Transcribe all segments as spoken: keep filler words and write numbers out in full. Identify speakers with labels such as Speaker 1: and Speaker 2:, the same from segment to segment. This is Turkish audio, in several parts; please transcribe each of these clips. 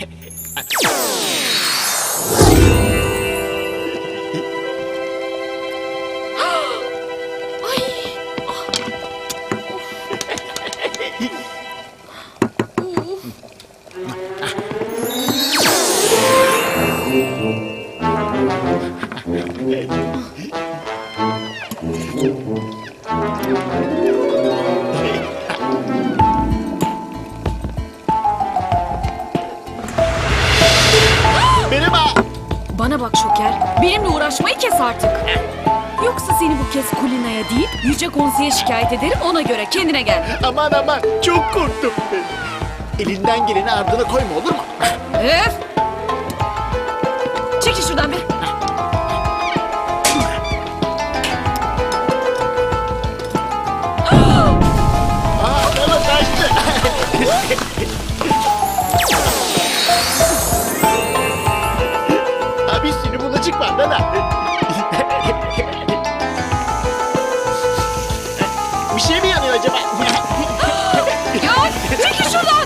Speaker 1: Bana bak Şoker, benimle uğraşmayı kes artık. Yoksa seni bu kez Kulina'ya değil, Yüce Konse'ye şikayet ederim, ona göre kendine gel.
Speaker 2: Aman aman, çok korktum. Elinden geleni ardına koyma, olur mu?
Speaker 1: Öf! Çekil şuradan be.
Speaker 2: Aa, bana kaçtı. Abi seni bulacak var Nana. Bir şey mi yanıyor acaba?
Speaker 1: Ya çekil şuradan!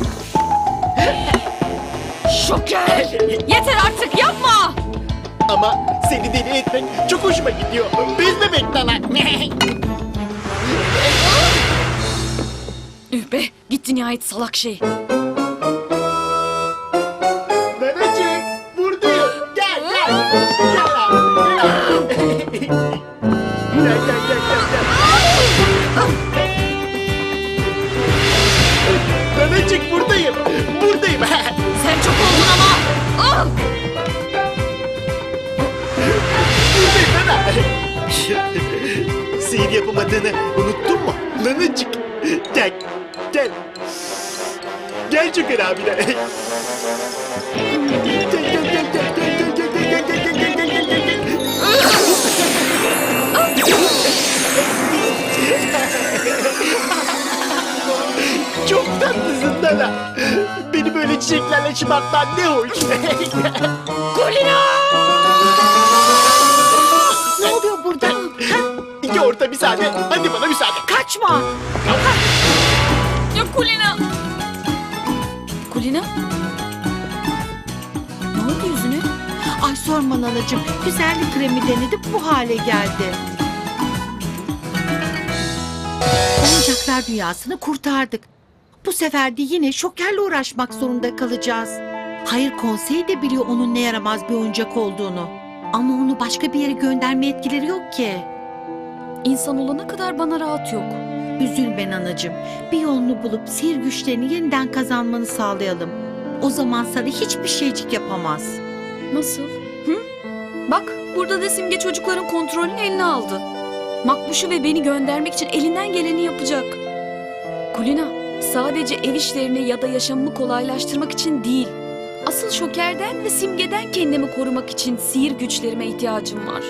Speaker 1: Şoker! Yeter artık, yapma!
Speaker 2: Ama seni deli etmek çok hoşuma gidiyor. Biz bebek Nana.
Speaker 1: Üh be, gitti nihayet salak şey.
Speaker 2: Nanacık, buradayım. Gel, gel. Gel abi, gel abi. Gel, gel, gel, gel, gel. Nanacık, buradayım. Buradayım.
Speaker 1: Sen çok oldun ama! Ah!
Speaker 2: Buradayım Nana. Sihir yapamadığını unuttun mu? Nanacık. Gel, gel. Gel Şoker abine. Gel, gel, gel, gel, gel, gel, gel, gel, gel, gel, gel, gel, gel, gel, gel. Çok tatlısın Nana. Beni böyle çiçeklerle şımartman ne hoş.
Speaker 1: Kulina!
Speaker 3: Ne oluyor burada?
Speaker 2: İki orta müsaade. Hadi bana müsaade.
Speaker 3: Kaçma.
Speaker 1: Ya Kulina! Kulina? Ne oldu yüzüne?
Speaker 3: Ay sorma nanacığım. Güzellik kremi denedim, bu hale geldi. Oyuncaklar dünyasını kurtardık. Bu sefer de yine Şoker'le uğraşmak zorunda kalacağız. Hayır, konsey de biliyor onun ne yaramaz bir oyuncak olduğunu. Ama onu başka bir yere gönderme etkileri yok ki.
Speaker 1: İnsan olana kadar bana rahat yok.
Speaker 3: Üzülme nanacığım. Bir yolunu bulup sihir güçlerini yeniden kazanmanı sağlayalım. O zaman sana hiçbir şeycik yapamaz.
Speaker 1: Nasıl? Hı? Bak, burada da Simge çocukların kontrolünü eline aldı. Makbuş'u ve beni göndermek için elinden geleni yapacak. Kulina, sadece ev işlerini ya da yaşamımı kolaylaştırmak için değil. Asıl Şoker'den ve Simge'den kendimi korumak için sihir güçlerime ihtiyacım var.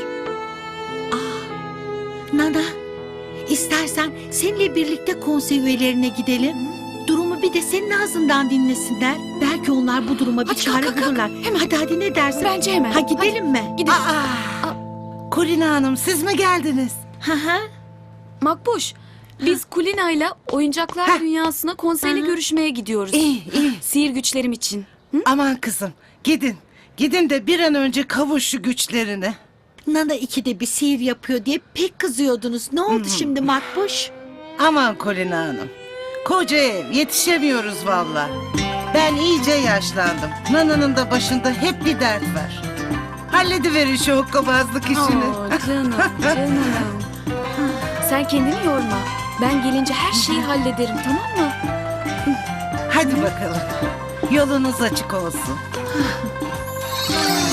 Speaker 3: Nana, istersen seninle birlikte konsey üyelerine gidelim. Durumu bir de senin ağzından dinlesinler. Belki onlar bu duruma bir
Speaker 1: Hadi
Speaker 3: çare
Speaker 1: kalk, kalk, kalk.
Speaker 3: bulurlar.
Speaker 1: Hemen.
Speaker 3: Hadi hadi, ne dersin?
Speaker 1: Bence hemen.
Speaker 3: Ha, gidelim mi?
Speaker 1: Gidelim.
Speaker 4: Aa, Kulina Hanım, siz mi geldiniz?
Speaker 3: Hı hı.
Speaker 1: Makbuş, biz Kulina'yla oyuncaklar
Speaker 4: Heh.
Speaker 1: dünyasına konseyle görüşmeye gidiyoruz.
Speaker 4: İyi, iyi.
Speaker 1: Sihir güçlerim için. Hı?
Speaker 4: Aman kızım, gidin. Gidin de bir an önce kavuş şu güçlerine.
Speaker 3: Nana ikide bir sihir yapıyor diye pek kızıyordunuz. Ne oldu şimdi Makbuş?
Speaker 4: Aman Kulina Hanım. Koca ev, yetişemiyoruz valla. Ben iyice yaşlandım. Nana'nın da başında hep bir dert var. Hallediverin şu hokkabazlık işini.
Speaker 1: Aa, canım, canım. Sen kendini yorma. Ben gelince her şeyi hallederim, tamam mı?
Speaker 4: Hadi bakalım. Yolunuz açık olsun.